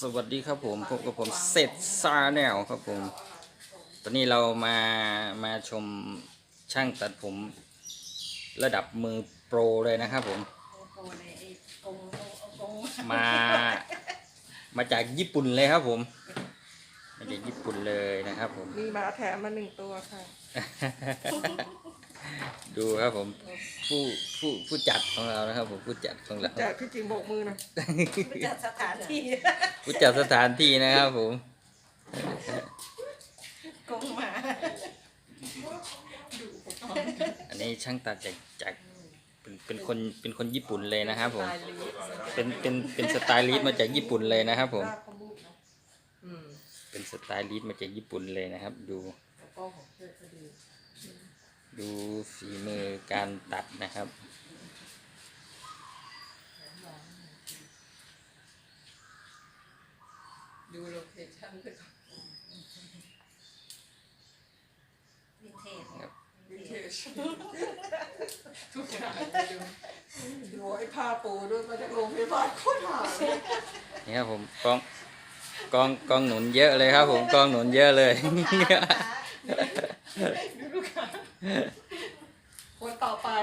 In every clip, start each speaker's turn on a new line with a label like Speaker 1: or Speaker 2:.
Speaker 1: สวัสดีครับผมพบกับผมเซตซาแนลครับผมตอนนี้เรามาชมช่างตัดผมระดับมือโปรเลยนะครับผมมามาจากญี่ปุ่นเลยครับผมมาจากญี่ปุ่นเลยนะครับผม
Speaker 2: มีหมาแถมมา1 ตัวค่ะ
Speaker 1: ดูครับผมผู้จัดของเรานะครับผมผู้จัดของเรา
Speaker 2: จากพี่จริงโบกมือนะ
Speaker 3: จัดสถานที่
Speaker 1: ผู้จัดสถานที่นะครับผม
Speaker 3: กงหมา
Speaker 1: อันนี้ช่างตัดจากเป็นคนญี่ปุ่นเลยนะครับผมเป็นสไตลิสต์มาจากญี่ปุ่นเลยนะครับผมเป็นสไตลิสต์มาจากญี่ปุ่นเลยนะครับดูฝีมือการตัดนะครับ
Speaker 2: ดูโลเคชั่นด้วย
Speaker 3: วินเทจ
Speaker 2: วินเทจทุกอย่างดูไอ้ผ้าปูด้วยมาจากโรงพยาบาลโคตรหาเลย
Speaker 1: นี่ครับผมกองหนุนเยอะเลยครับผมกองหนุนเยอะเลย
Speaker 2: ดูลูกค้าคนต่อไป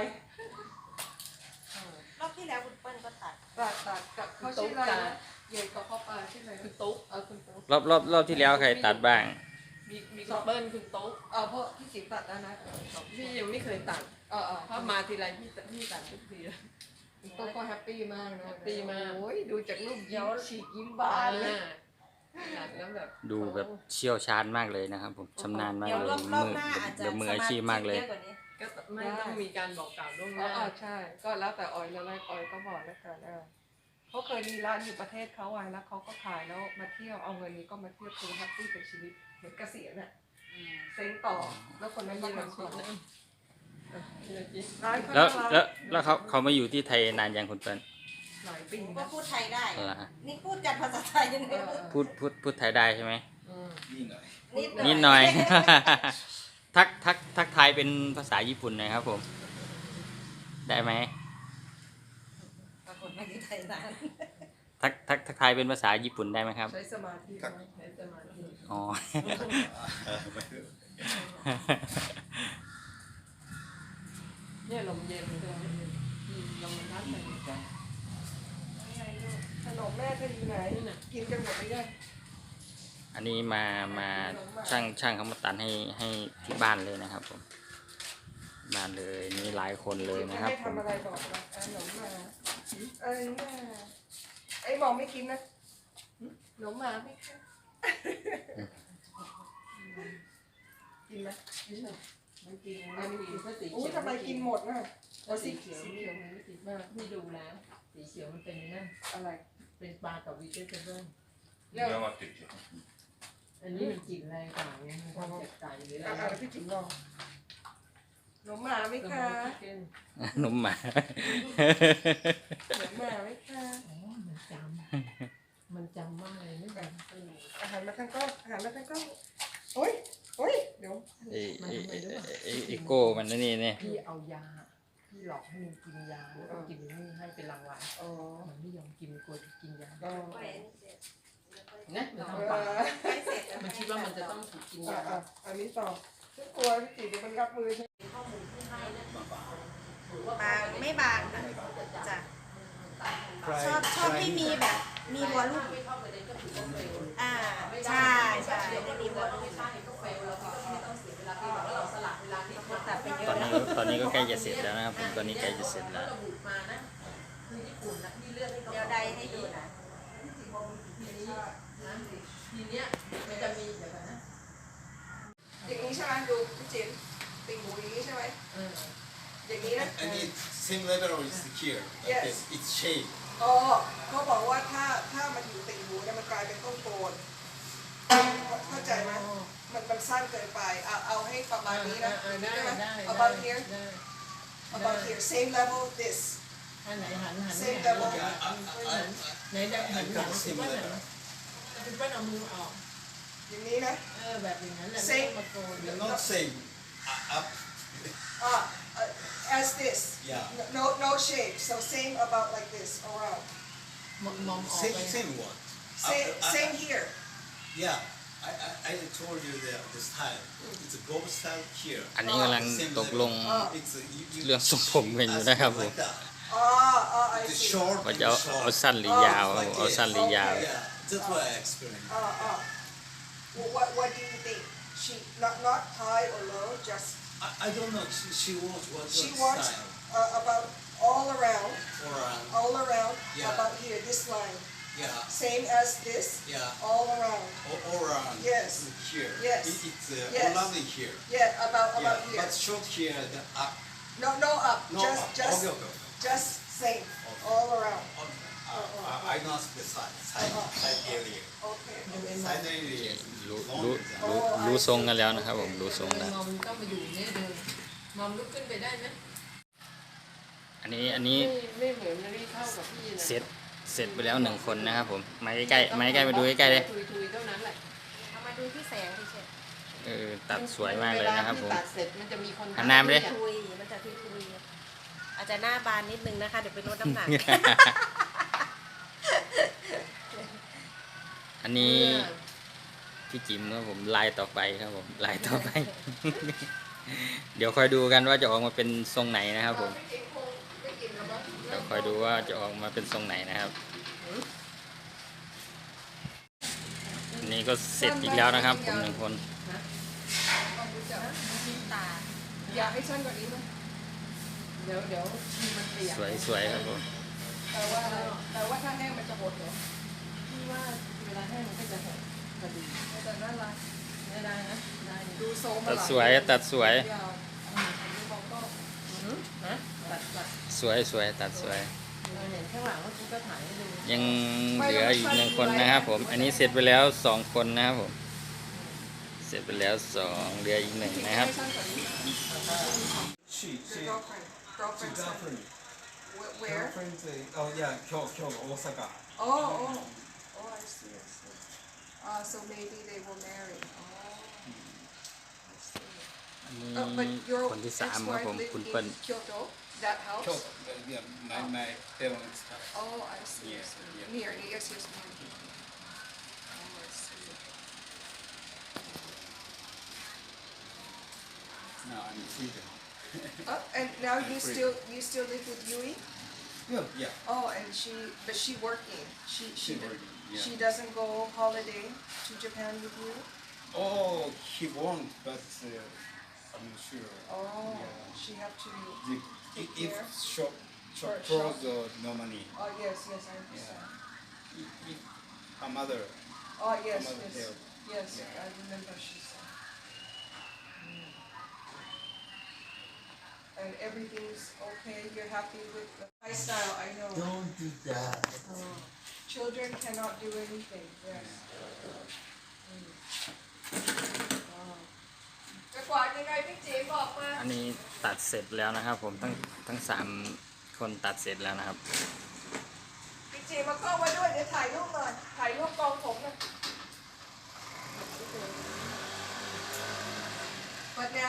Speaker 3: รอบที่แล้วคุณเปิ้ลก็ตัด
Speaker 2: ตัดกับเขาชื่ออะไรนะเย่กับพ่อปลาชื่ออะไรคุณตุ๊กคุณตุ๊ก
Speaker 1: รอบที่แล้วใครตัดบ้าง
Speaker 4: มีคุณเปิ้ลคุณโต๊ะ
Speaker 2: เพราะพี่จิ๋วตัดแล้วนะ
Speaker 4: พี่ยังไม่เคยตัดถ้ามาทีไรพี่ตัดทุกทีเลย
Speaker 2: คุณตุ๊กก็แฮปปี้มากนะ
Speaker 4: แฮปปี้มาก
Speaker 2: โอ้ยดูจากรูปยิ้มฉีกยิ้มบานเลย
Speaker 4: ตัดแล้วแบบ
Speaker 1: ดูแบบเชี่ยวชาญมากเลยนะครับผมชำนาญมาก
Speaker 3: เดี๋ยว
Speaker 1: เลย
Speaker 3: รอบหน้าอาจจะ
Speaker 1: แบบมืออาชีพมากเลย
Speaker 3: สธิเยอะกว่านี้
Speaker 4: ก็ไม่ต้องมีการบอกกล่าวล่วงหน้า
Speaker 2: ใช่ ก็แล้วแต่ออยแล้วออยก็บอกแล้วกันเขาเคยมีร้านอยู่ประเทศเขาไว้แล้วเขาก็ขายแล้วมาเที่ยวเอาเงินนี้ก็มาเที่ยวคือแฮปปี้กับชีวิตเหมือนเกษียณอะเซ็งต่อแล้วคนนั้นก็ทำต่อร้านเขา
Speaker 1: แล้วเขามาอยู่ที่ไทยนานยังคุณเปิ้ล
Speaker 2: หลายปี
Speaker 3: ก็
Speaker 2: นะ
Speaker 3: พูดไทยได้
Speaker 1: เหรอฮะ
Speaker 3: นี่พูดกันภาษาไทยยังไง
Speaker 1: พูดไทยได้ใช่ไหม
Speaker 3: นิดหน่อย
Speaker 1: นิดหน่อย ทักทายเป็นภาษาญี่ปุ่นหน่อยครับผม ได้ไหม
Speaker 3: ปรากฏไม่ได้ไทยนาน
Speaker 1: ทักทายเป็นภาษาญี่ปุ่นได้ไหมครับ
Speaker 2: ใช้สมาธิไหม
Speaker 4: ใช้สมาธิ
Speaker 1: อ๋อ
Speaker 4: เนี่ยลมเย็นเลยลมมันพัดเลย
Speaker 2: ขนมแม่เธออยู่ไหนกินกันหมดไหมเนี่ย
Speaker 1: อันนี้มาช่างเขามาตัดให้ที่บ้านเลยนะครับผมบ้านเลยมีหลายคนเลยนะครับ
Speaker 2: ไม่
Speaker 1: ผม
Speaker 2: ทำอะไรบอกนะขนมมาไอ้บอกไม่กินนะขนมมาไม่กินกินไหม
Speaker 4: มันกินมันกินเพราะสี
Speaker 2: โอ้
Speaker 4: เขียว
Speaker 2: ทำไมกินหมดน่ะ
Speaker 4: เพราะสีเขียวมันไม่ติดมากพี่ดูแล้วสีเขียวมันเป็นนั่น
Speaker 2: อะไร
Speaker 4: เป็นปลากับวีเจเบิล
Speaker 2: เนี่ย
Speaker 4: อันนี้มันกลิ่นแรงกว่าไงมันความเจ็บใจหรืออะไร
Speaker 2: อะไรพี่จิ๋งลองขนมมาไหมคะ
Speaker 1: นมหมา
Speaker 2: ขนมมาไหมคะ
Speaker 4: อ๋อมันจำมากเลยไม่แบบ
Speaker 2: อาหารมาทางกล้องอาหารมาทางกล้องโอ้ยเดี๋ยว
Speaker 1: ไอโก้มันนี่เนี่ย
Speaker 4: พี่เอายาพี่หลอกให้มันกินยาแล้วก็กินนี่ให้เป็นรางวัล
Speaker 2: อ๋อ
Speaker 4: มันไม่ยอมกินกลัวจะกินยา
Speaker 2: อ๋อ
Speaker 4: นะมันทำปาก
Speaker 3: ไม่เสร็จ
Speaker 4: มันคิดว่ามันจะต้องถูกกินยา
Speaker 2: อันนี้ต่อฉันกลัวพี่จิ๋วเดี๋ยวมันรับมือใช่
Speaker 3: บางไม่บางค่ะจ้ะชอบให้มีแบบมีวอลลุ่มใช่ให้มีวอลลุ่มตัดไปเย
Speaker 1: ตอ
Speaker 3: อะ
Speaker 1: น
Speaker 3: แล้
Speaker 1: นี้
Speaker 3: ว
Speaker 1: ตอนนี้ก็ใกล้จะเสร็จแล้วนะครับผมตอนนี้ใกล้จะเสร็จแล้ว
Speaker 3: เดี๋ยวใดให้ดูนะ
Speaker 4: ทีเนี้ยมันจะมีเดี๋ยวกันนะ
Speaker 2: อย่างนี้ใช่ไหมดูพี่จิ๋วติ่งหูอย่างนี้ใช่ไหมอย่างนี้นะ
Speaker 5: And it's same level or it's here? Like
Speaker 2: Yes.
Speaker 5: this. It's shape.
Speaker 2: อ๋อเขาบอกว่าถ้ามันอยู่ติ่งหูเนี่ยมันกลายเป็นต้นโกนเข้าใจไหมมันสั้นเกินไปเอาให้ประมาณนี้นะ
Speaker 4: ได้
Speaker 2: ใช่ไหม
Speaker 4: ได้
Speaker 2: about here
Speaker 4: ได้
Speaker 2: about here same level this
Speaker 4: ถ้าไหนหัน
Speaker 2: Same level
Speaker 4: ไหนได้หัน
Speaker 5: I
Speaker 4: หลัง
Speaker 5: got
Speaker 4: คุณ
Speaker 5: same
Speaker 4: ป้าหัน
Speaker 5: level.
Speaker 4: คุณป้าเอามือออก
Speaker 2: อย่างนี้นะ
Speaker 4: แบบอย่างนั้นแหละ
Speaker 2: Same
Speaker 4: มาโกน
Speaker 5: They're not same. Up.
Speaker 2: as this
Speaker 5: Yeah.
Speaker 2: no shape so same about like this around
Speaker 4: มองออก
Speaker 5: Same
Speaker 4: ไป
Speaker 5: same one.
Speaker 2: same here
Speaker 5: Yeah, I told you that the style. It's a gold style here.
Speaker 1: อันนี้กำลัง
Speaker 5: Same
Speaker 1: ตกลง
Speaker 5: level. It's you
Speaker 1: เรื่องทรงผมกันอยู่นะครับผม
Speaker 5: like that.
Speaker 2: อ๋อ I
Speaker 5: The
Speaker 2: see
Speaker 5: short
Speaker 1: ว่า
Speaker 5: and
Speaker 1: จะ
Speaker 5: the
Speaker 1: เอา
Speaker 5: short.
Speaker 1: สั้นหรือยาวครับผม
Speaker 5: like
Speaker 1: เอา
Speaker 5: this.
Speaker 1: สั้นหรือยาว
Speaker 5: Yeah, that's what I experienced.
Speaker 2: what do you think she not high or low just
Speaker 5: I don't know. She wants what
Speaker 2: she wants
Speaker 5: style.
Speaker 2: about all around
Speaker 5: Or Yeah.
Speaker 2: about here this line
Speaker 5: yeah,
Speaker 2: same as this
Speaker 5: yeah.
Speaker 2: all around
Speaker 5: All around.
Speaker 2: Yes.
Speaker 5: Here.
Speaker 2: Yes.
Speaker 5: It's
Speaker 2: Yes.
Speaker 5: lovely here.
Speaker 2: yeah about
Speaker 5: Yeah,
Speaker 2: here
Speaker 5: but short here. The up.
Speaker 2: no up
Speaker 5: No.
Speaker 2: just
Speaker 5: Okay.
Speaker 2: just same all around
Speaker 5: I know the side area.
Speaker 2: okay
Speaker 5: Side area.
Speaker 1: รู้ทรงกันแล้วนะครับผมรู้ทรง
Speaker 4: ทำไม
Speaker 1: แล้ว
Speaker 4: มอมต้องมาอยู่เนี่ยเดินมอมลุกขึ้นไปได้ไหม
Speaker 1: อันนี้
Speaker 4: ไม่เหมือนนารีเท่ากับพี่นะ
Speaker 1: เสร็จไปแล้ว1คนนะครับผมมาใกล้ๆมาใกล้ๆมาดูใกล้ๆเลย
Speaker 4: ทุยๆเท่านั้นแหละ
Speaker 3: เอามาดูที่แสงเฉย
Speaker 1: ตัดสวยมากเลยนะครับผม
Speaker 4: วลาที่ตัดเสร็จมันจะมีคน
Speaker 1: หันหน้าไปดิ
Speaker 3: ๆทุยมันจะทุยๆอาจจะหน้าบานนิดนึงนะคะเดี๋ยวไปลดน้ำหนัก
Speaker 1: อันนี้พี่จิ๋มครับผมลายต่อไปครับผมลายต่อไป เดี๋ยวคอยดูกันว่าจะออกมาเป็นทรงไหนนะครับผมเดี๋ยวคอยดูว่าจะออกมาเป็นทรงไหนนะครับอันนี้ก็เสร็จอีกแล้วนะครับผม1 คน
Speaker 3: ตา
Speaker 2: อยากให้สั้นกว่านี้ไหม
Speaker 4: เดี๋ยวมันเปียก
Speaker 1: สวยครับผม
Speaker 2: แต่ว่าถ้าแห้งมันจะหดเหรอ
Speaker 4: พี่ว่าเวลาแห้งมันก็จะหดพอดี
Speaker 2: แต่น่ารัก
Speaker 4: ไม่ได้นะได้
Speaker 2: ดูโซม
Speaker 1: ตัดสวยตัดสวย
Speaker 2: ยาวดูมองก็
Speaker 4: นะตัด
Speaker 1: สวยตัดสวย
Speaker 4: เราเห็นข้างหลังว่าคุณก็ถ่ายให้ดู
Speaker 1: ยังเหลืออีก1 คนนะครับผมอันนี้เสร็จไปแล้ว2 คนนะครับผมเสร็จไปแล้ว2เหลืออีก1นะครับ
Speaker 2: ให้สั้นกว่านี้
Speaker 5: She
Speaker 2: The girlfriend
Speaker 5: girlfriend.
Speaker 2: where
Speaker 5: Girlfriend. Oh yeah, Kyoto, Osaka.
Speaker 2: oh I see so maybe they will marry I see
Speaker 1: อัน
Speaker 2: but
Speaker 1: นี้
Speaker 2: your
Speaker 1: คนที่3ครับ
Speaker 2: ex-wife
Speaker 1: ผม
Speaker 2: lived
Speaker 1: คุณเปิ้ล
Speaker 2: in Kyoto that house
Speaker 5: Kyoto. Yeah, my parents.
Speaker 2: oh I see
Speaker 5: Yeah, yeah.
Speaker 2: near yes near oh I see
Speaker 5: Now I'm freedom.
Speaker 2: and now you still live with Yui
Speaker 5: Yeah.
Speaker 2: oh and but she working
Speaker 5: She working, yeah.
Speaker 2: she doesn't go holiday to Japan with you
Speaker 5: Oh, he won't, but I'm not sure.
Speaker 2: oh
Speaker 5: Yeah.
Speaker 2: she have to
Speaker 5: If
Speaker 2: care?
Speaker 5: shop
Speaker 2: For
Speaker 5: close or no money.
Speaker 2: oh yes I understand
Speaker 5: If her mother.
Speaker 2: oh yes
Speaker 5: Her mother help.
Speaker 2: yes
Speaker 5: Yeah.
Speaker 2: I remember she said and everything's okay you're happy with the lifestyle I know
Speaker 5: Don't do that.
Speaker 2: children cannot do anything yes จะกวาดยังไงพี่จีบอกมา
Speaker 1: อันนี้ตัดเสร็จแล้วนะครับผมทั้ง3 คนตัดเสร็จแล้วนะครับ
Speaker 2: พี่จีมากล้องมาด้วยเดี๋ยวถ่ายรูปหน่อยถ่ายรูปกองผมหน่อย But now